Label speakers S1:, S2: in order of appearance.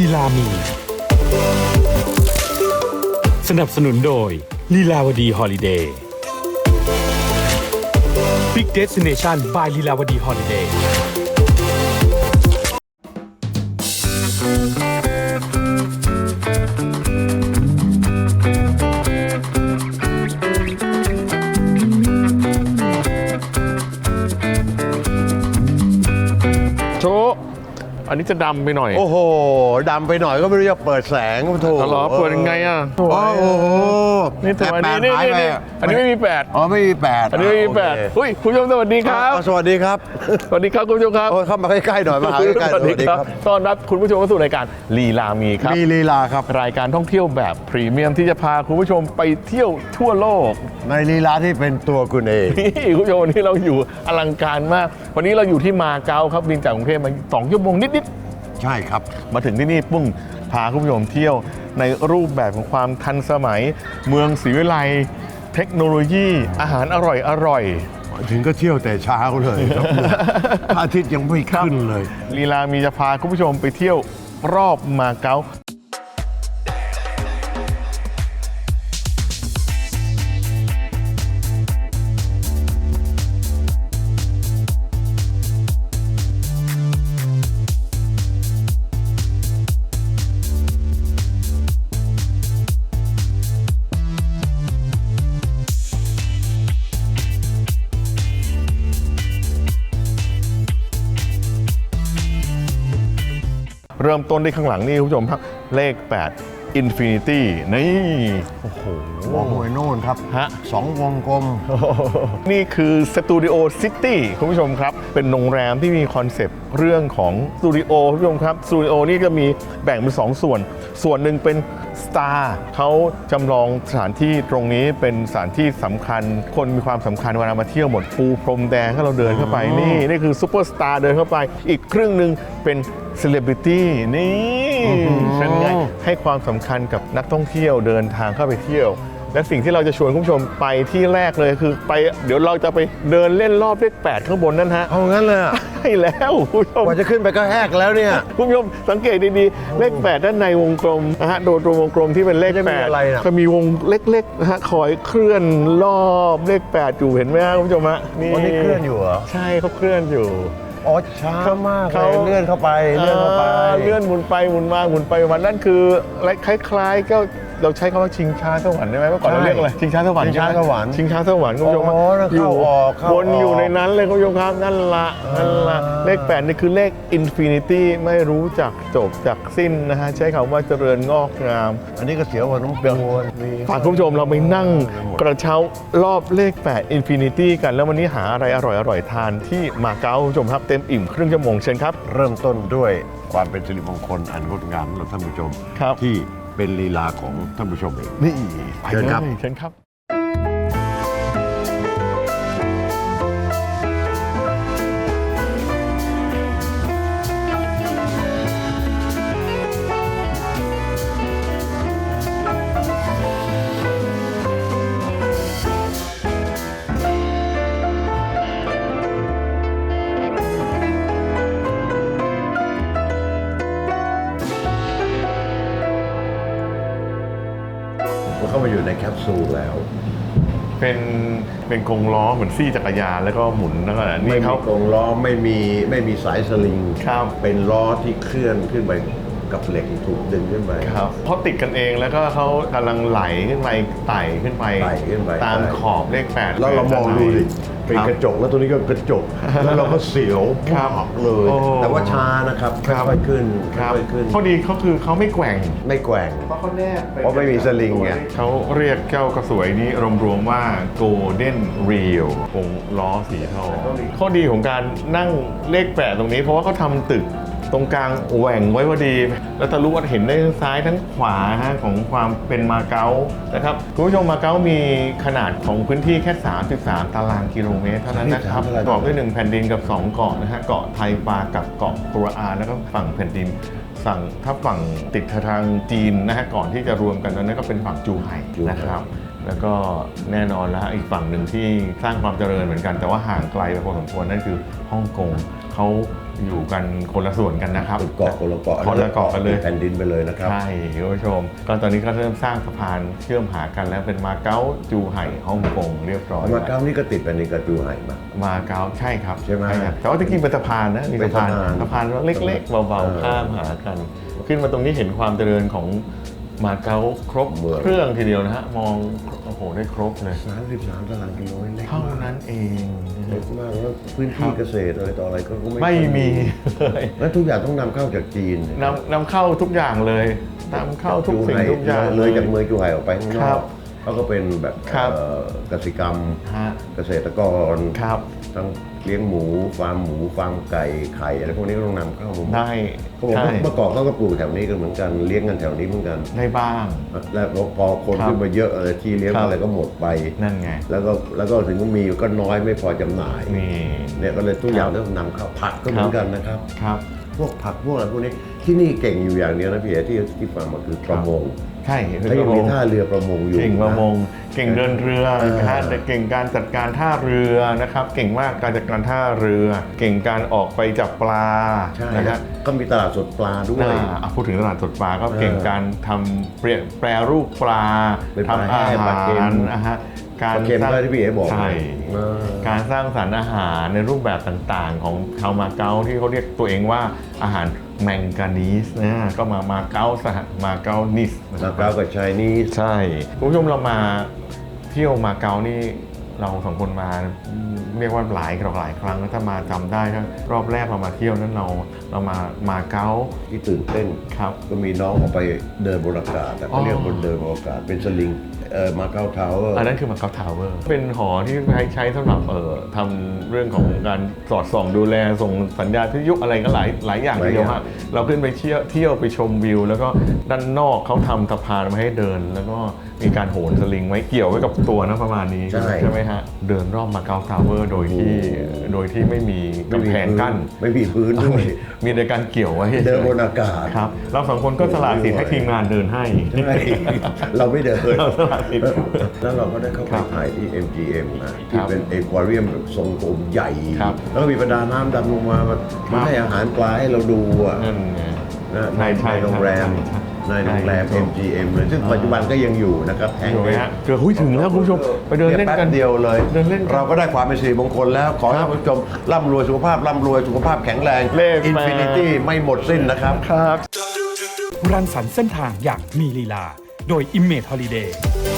S1: ลามีสนับสนุนโดยลีลาวดีฮอลิเดย์บิ๊กเดสติเนชัน by ลีลาวดีฮอลิเดย์
S2: โชว์อันนี้จะดำไปหน่อย
S3: โอ้โหดำไปหน่อยก็ไม่รู้จะเปิดแสงโถ
S2: เหรอเปิดยังไงอ่ะ
S3: โอ้โห
S2: นี่ตัว
S3: แป
S2: นี้
S3: ดหายไป
S2: นี่อันนี้ไม่มีแปด
S3: อ๋อไม่มีแปด
S2: อันนี้ไม่มีแปด
S3: โอเค
S2: อุ้ยคุณผู้ชมสวัสดีครับ
S3: สวัสดีครับ
S2: สวัสดีครับคุณผู้ชมครับ
S3: โอ้ยเข้ามาใกล้ๆหน่อยมาหาใกล้ๆ
S2: สวัสดีครับต้อนรับคุณผู้ชมเข้าสู่รายการลีลามีครับ
S3: มีลีลาครับ
S2: รายการท่องเที่ยวแบบพรีเมียมที่จะพาคุณผู้ชมไปเที่ยวทั่วโลก
S3: ในลีลาที่เป็นตัวคุณเอง
S2: นี่คุณผู้ชมวันนี้เราอยู่อลังการมาก วันนี้เราอยู่ที่มาเก๊าครับบินจากกรุงเทพมา2 ชั่วโมงนิด
S3: ใช่ครับ
S2: ๆมาถึงที่นี่ปุ้งพาคุณผู้ชมเที่ยวในรูปแบบของความทันสมัย เมืองศรีวิไลเทคโนโลยีอาหารอร่อย
S3: ถึงก็เที่ยวแต่เช้าเลยครับพระอาทิตย์ยังไม่ขึ้นเลย
S2: ลีลามีจะพาคุณผู้ชมไปเที่ยวรอบมาเก๊าเริ่มต้นที่ข้างหลังนี่คุณผู้ชมครับเลข 8 Infinity นี่โอ้โห
S3: มองไปโน่นครับ
S2: ฮะ
S3: 2 วงกลม
S2: นี่คือสตูดิโอซิตี้คุณผู้ชมครับ เป็นโรงแรมที่มีคอนเซปต์เรื่องของสตูดิโอคุณผู้ชมครับสตูดิโอนี่จะมีแบ่งเป็น2 ส่วน ส่วนหนึ่งเป็นสตาร์เขาจำลองสถานที่ตรงนี้เป็นสถานที่สำคัญ คนมีความสำคัญเวลามาเที่ยวหมดปูพรมแดงให้เราเดินเข้าไปนี่คือซูเปอร์สตาร์เดินเข้าไป อีกครึ่งหนึ่งเป็นเซเลบริตี้นี่เป็นไงให้ความสำคัญกับนักท่องเที่ยวเดินทางเข้าไปเที่ยว และสิ่งที่เราจะชวนคุณผู้ชมไปที่แรกเลยคือไปเดี๋ยวเราจะไปเดินเล่นรอบเลข 8 ข้างบนนั่นฮะ
S3: เอางั้นเลยอะ
S2: ใช่แล้วคุณผู้ชม
S3: กว่าจะขึ้นไปก็แหกแล้วเนี่ย
S2: คุณผู้ชมสังเกตดีๆเลข 8 ด้านในวงกลมนะฮะโดยตรงวงกลมที่เป็นเลข
S3: จะมีอะไรน่ะ
S2: 8จะมีวงเล็กๆนะฮะคอยเคลื่อนรอบเลข 8 อยู่เห็นไหมครับคุณผู้ชมฮะ
S3: วันนี้เคลื่อนอยู่เหรอ
S2: ใช่เขาเคลื่อนอยู่
S3: อ๋อช้ามากเล
S2: เขา
S3: ยเลื่อนเข้าไปเลื่อนเข้าไป
S2: เลื่อนหมุนไปหมุนมาหมุนไปวันนั่นคือคล้ายๆก็เราใช้คำว่าชิงช้าสวรรค์ได้ไหมเมื่อก่อนเราเรียกอะไรชิงช้าสวรรค์
S3: ชิงช้าสวรรค์
S2: ชิงช้าสวรรค์คุณผู้ชม
S3: อ๋อแล้วเข้าออกเข้าออก
S2: วนอยู่ในนั้นเลยคุณผู้ชมครับนั่นละเลข 8 นี่คือเลขอินฟินิตี้ไม่รู้จักจบจากสิ้นนะฮะใช้คำว่าเจริญงอกงาม
S3: อันนี้ก็เสียวกว่าน้องปูน
S2: ฝากคุณผู้ชมเราไปนั่งกระเช้ารอบเลข 8 Infinity กันแล้ววันนี้หาอะไรอร่อยๆทานที่มาเก๊าคุณผู้ชมครับเต็มอิ่มครึ่งชั่วโมงเชิญครับ
S3: เริ่มต้นด้วยความเป็นสิริมงคลอันงดงามสำหรับท่านผู้ชม
S2: ครับ
S3: ที่เป็นลีลาของท่านผู้ชมเอง
S2: นี่ไป
S3: เชิญ
S2: เลย
S3: ครับ
S2: เชิญครับ
S3: เข้ามาอยู่ในแคปซูลแล้ว
S2: เป็นกรงล้อเหมือนซี่จักรยานแล้วก็หมุนแล้วก็
S3: ไม่
S2: นี่
S3: มี
S2: เขา
S3: กรงล้อไม่มีสายสลิง
S2: ครับ
S3: เป็นล้อที่เคลื่อนขึ้นไปกับเหล็กถูกดึงขึ้นไป
S2: ครับเขาติดกันเองแล้วก็เขากำลังไหลขึ้นไปไต่ขึ้นไป
S3: ไต่ขึ้นไป
S2: ตามขอบเลข 8
S3: แล้วเรามองดูดิเป็นกระจกแล้วตัวนี้ก็กระจก แล้วเราก็เสียว
S2: ครับ
S3: มากเลย
S2: โอ้
S3: แต่ว่าช้านะครับค่อยๆขึ้น
S2: ครับ
S3: ค่อยๆขึ้น
S2: ข้อดีเขาคือเขาไม่แกว่ง
S3: ไม่แกว่ง
S2: เพราะเขาแนบ
S3: เพราะไม่มีสลิงไง
S2: เขาเรียกเจ้ากระสวยนี้รวมๆว่า Golden Reel วงล้อสีทองข้อดีของการนั่งเลข 8 ตรงนี้ เพราะว่าเขาทำตึกตรงกลางแหว่งไว้พอดี แล้วทะลุว่าเห็นได้ทั้งซ้ายทั้งขวาฮะของความเป็นมาเก๊านะครับคุณผู้ชมมาเก๊ามีขนาดของพื้นที่แค่ 33 ตารางกิโลเมตรเท่านั้นนะครับประกอบด้วย1แผ่นดินกับ 2 เกาะนะฮะเกาะไทปากับเกาะกัวอาแล้วก็ฝั่งแผ่นดิน ถ้าฝั่งติดทางจีนนะฮะก่อนที่จะรวมกันนั้นก็เป็นฝั่งจูไห่นะครับแล้วก็แน่นอนแล้วอีกฝั่งหนึ่งที่สร้างความเจริญเหมือนกันแต่ว่าห่างไกลไปพอสมควรนั่นคือฮ่องกงเขาอยู่กันคนละส่วนกันนะครับ
S3: เป็นเกาะคนละเกาะ
S2: คนละเกาะกันเลย
S3: แผ่นดินไปเลยนะครับ
S2: ใช่คุณผู้ชมก็ตอนนี้ก็เริ่มสร้างสะพานเชื่อมหากันแล้วเป็นมาเก๊าจูไห่ฮ่องกงเรียบร้อย
S3: มาเก๊านี่ก็ติดแผ่นดินกับจูไห่มา
S2: มาเก๊าใช่ครับ
S3: ใช่ไหม
S2: ครับแต่ว่าตะกี้เป็นสะพานนะมีสะพาน
S3: เป็นสะพาน
S2: เล็กๆเบาๆข้ามหากัน ขึ้นมาตรงนี้เห็นความเจริญของมาเก๊าครบเครื่องทีเดียวนะฮะมองโอ้โหได้ครบเลย
S3: 33 ตารางกิโลเล็ก
S2: เท่าม
S3: าก
S2: นั้นเอง
S3: เล็กมากแล้วพื้นที่เกษตรอะไรต่ออะไรก็
S2: ไม่มีเลย
S3: แล้วทุกอย่างต้องนำเข้าจากจีน
S2: นำเข้าทุกอย่างเลยนำเข้าทุกสิ่งทุกอย่าง
S3: เลยจากเมืองจูไห่ออกไปข้างน
S2: ครั
S3: อบ กเขาก็เป็นแบบ
S2: ครับ
S3: กสิกรรม
S2: ฮะ
S3: เกษตรกร
S2: ครับ
S3: ทั้งเลี้ยงหมูฟาร์มไก่ไข่อะไรพวกนี้ก็ต้องนำเข้ามาหมด
S2: ได้
S3: เขาบอก
S2: ใช่
S3: ว่าเมื่อก่อนเขาก็ปลูกแถวนี้กันเหมือนกันเลี้ยงกันแถวนี้เหมือนกัน
S2: ได้บ้าง
S3: แล้วพอคน
S2: ครับ
S3: ขึ้นมาเยอะที่เลี้ยง
S2: ครับ
S3: อะไรก็หมดไป
S2: นั่นไง
S3: แล้วก็ถึงมีก็น้อยไม่พอจำหน่าย
S2: นี่
S3: เนี่ยก็เลยทุกอย่างต้องนำเข้าผักก็เหมือนกันนะครับ
S2: ครับ
S3: พวกผักพวกอะไรพวกนี้ที่นี่เก่งอยู่อย่างเดียวนะพี่เอ๋ที่ฟังมาคือประมง
S2: ใช่
S3: เขายังมีท่าเรือประมงอยู่
S2: เก่งประมง เก่งเดินเรือ
S3: เออ
S2: นะฮะแต่เก่งการจัดการท่าเรือนะครับ เก่งมากการจัดการท่าเรือ เก่งการออกไปจับปลา
S3: ใช่
S2: นะฮะ
S3: ก็มีตลาดสดปลาด้วย
S2: พูดถึงตลาดสดปลาก็เก่งการทำแปรรูปปลา
S3: เป็นปลา
S2: ทำอา
S3: แห้งปลา
S2: หา
S3: เค็
S2: ร
S3: ม
S2: นะฮะ
S3: ปลาเค็มก็ที่พี่เอ๋บอก
S2: ใช่
S3: เออ
S2: การสร้างสรรค์อาหารในรูปแบบต่างๆ ของชาวมาเก๊าที่เขาเรียกตัวเองว่าอาหารแมงกานีสนะก็มาเก๊ามาเก๊านิสนะค
S3: มา
S2: รับ
S3: เก๊ากับไชนีส
S2: ใช่คุณผู้ชมเรามาเที่ยวมาเก๊านี่เราสองคนมาเรียกว่าหลายครั้งแล้วถ้ามาจำได้ครับรอบแรกเรามาเที่ยวนั้นเรามาเก๊า
S3: ที่ตื่นเต้น
S2: ครับ
S3: ก็มีน้องออกไปเดินบนอากาศแต่
S2: อ๋
S3: เขา
S2: อ
S3: เรียกบนเดินบนอากาศเป็นสลิงมาเก๊าทาวเวอร์
S2: อันนั้นคือมาเก๊าทาวเวอร์เป็นหอที่ใช้สำหรับทำเรื่องของการสอดส่องดูแลส่งสัญญาณพิทยุอะไรก็หลายอย่างทีเดียวฮะเราขึ้นไปเที่ยวไปชมวิว แล้วก็ด้านนอกเขาทำสะพานมาให้เดิน แล้วก็มีการโหนสลิงไว้เกี่ยวไว้กับตัวนะประมาณนี้
S3: ใช่
S2: ไหมฮะเดินรอบมาเก๊าทาวเวอร์โดยที่ไม่มีกำแพงกั้น
S3: ไม่มีพื้นด้วย
S2: มีแต่การเกี่ยวไว้
S3: เดินบนอากาศ
S2: ครับเราสองคนก็สละสิทธิ์ให้ทีมงานเดินให้
S3: ใช่เราไม่เดิน
S2: เราสละสิทธิ์
S3: แล้วเราก็ได้เข้าไป
S2: ครับ
S3: ถ่ายที่ MGM นะ
S2: ครั
S3: ที่
S2: บ
S3: เป็นเอควาเรียมแบบทรงกลมใหญ่
S2: ครับ
S3: แล้วก็มีประดาน้ำดำลงมามาให้อาหารปลาให้เราดูอ่ะ
S2: นั่นไง
S3: นะใน
S2: ใช่
S3: โรงแรม
S2: ใช่
S3: ในโรงแรม
S2: ใช่
S3: MGM เลยซึ่งปัจจุบันก็ยังอยู่นะครับแห่ง
S2: อยู่ไหม
S3: นี้
S2: ฮะเกือบถึงแล้วคุณผู้ชมไปเดินเล่น
S3: แป๊
S2: กัน
S3: บเดียวเลย
S2: เดินเล่นกัน
S3: เราก็ได้ความเป็นสิริมงคลแล้ว ขอให้ท่านผู้ชมร่ำรวยสุขภาพร่ำรวยสุขภาพแข็งแรง
S2: เลข
S3: อินฟินิตี้ไม่หมดสิ้นนะครับ
S2: ครับ
S1: รังสรรค์เส้นทางอย่างมีลีลา โดย Image Holiday